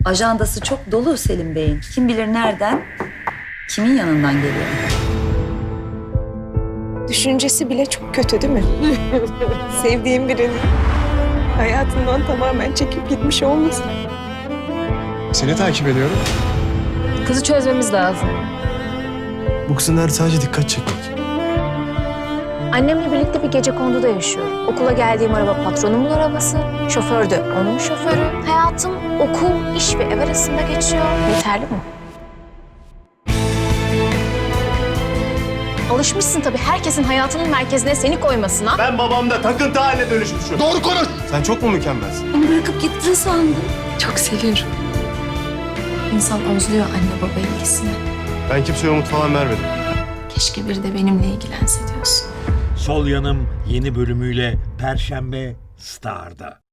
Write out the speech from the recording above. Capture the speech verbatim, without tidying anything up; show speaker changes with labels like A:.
A: Ajandası çok dolu Selim Bey'in. Kim bilir nereden, kimin yanından geliyor.
B: Düşüncesi bile çok kötü değil mi? Sevdiğim birinin hayatından tamamen çekip gitmiş olması.
C: Seni takip ediyorum.
D: Kızı çözmemiz lazım.
C: Bu kızın derdi sadece dikkat çekmek.
D: Annemle birlikte bir gecekonduda yaşıyorum. Okula geldiğim araba patronumun arabası, şoför de onun şoförü. Hayatım okul, iş ve ev arasında geçiyor. Yeterli mi? Alışmışsın tabii herkesin hayatının merkezine seni koymasına.
E: Ben babamda takıntı haline dönüşmüşüm.
C: Doğru konuş. Sen çok mu mükemmelsin?
A: Onu bırakıp gittin sandım.
D: Çok seviyorum. İnsan özlüyor anne baba ilgisini.
C: Ben kimseye umut falan vermedim.
D: Keşke biri de benimle ilgilense diyorsun.
F: Sol Yanım yeni bölümüyle Perşembe Star'da.